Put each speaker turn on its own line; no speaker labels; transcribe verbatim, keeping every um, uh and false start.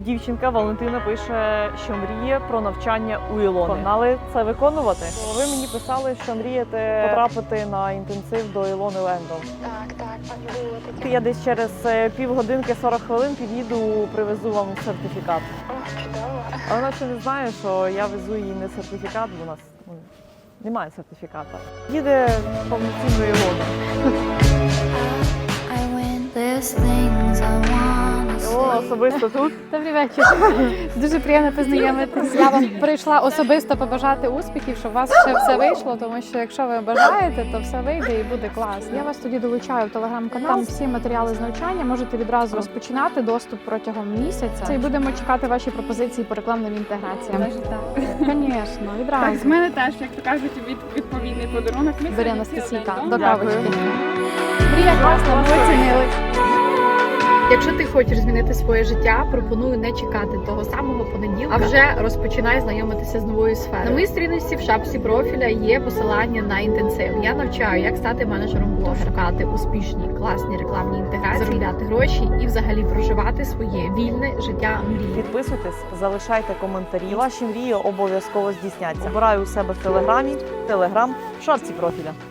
Дівчинка Валентина пише, що мріє про навчання у Ілони. Погнали це виконувати? Ви мені писали, що мрієте потрапити на інтенсив до Ілони Лендон.
Так, так, так було таке.
Я десь через півгодинки сорок хвилин під'їду, привезу вам сертифікат.
О, чудово.
А вона ще не знає, що я везу їй не сертифікат, бо у нас ну, немає сертифіката. Їде повноцінно Ілона. Ілона особисто тут.
Добрий вечір. Дуже приємно познайомитись. Я вам прийшла особисто побажати успіхів, щоб у вас ще все вийшло, тому що якщо ви бажаєте, то все вийде і буде клас. Я вас тоді долучаю в телеграм-канал. Там всі матеріали з навчання можете відразу розпочинати доступ протягом місяця. І будемо чекати ваші пропозиції по рекламним інтеграціям.
Навіть так.
Звісно, відразу.
Так, з мене теж, як то кажуть, від, відповідний подарунок. Ми
Бери,
сьогодні
Анастасійка,
всі
до
один дом.
кавочки. Мрія класна, ми оцінили.
Якщо ти хочеш змінити своє життя, пропоную не чекати того самого понеділка, а вже розпочинай знайомитися з новою сферою. На моїй сторінці в шапці профіля є посилання на інтенсив. Я навчаю, як стати менеджером блогера, шукати успішні, класні рекламні інтеграції, заробляти гроші і взагалі проживати своє вільне життя мрії.
Підписуйтесь, залишайте коментарі. Ваші мрії обов'язково здійсняться. Обираю у себе в телеграмі, телеграм, в шапці профіля.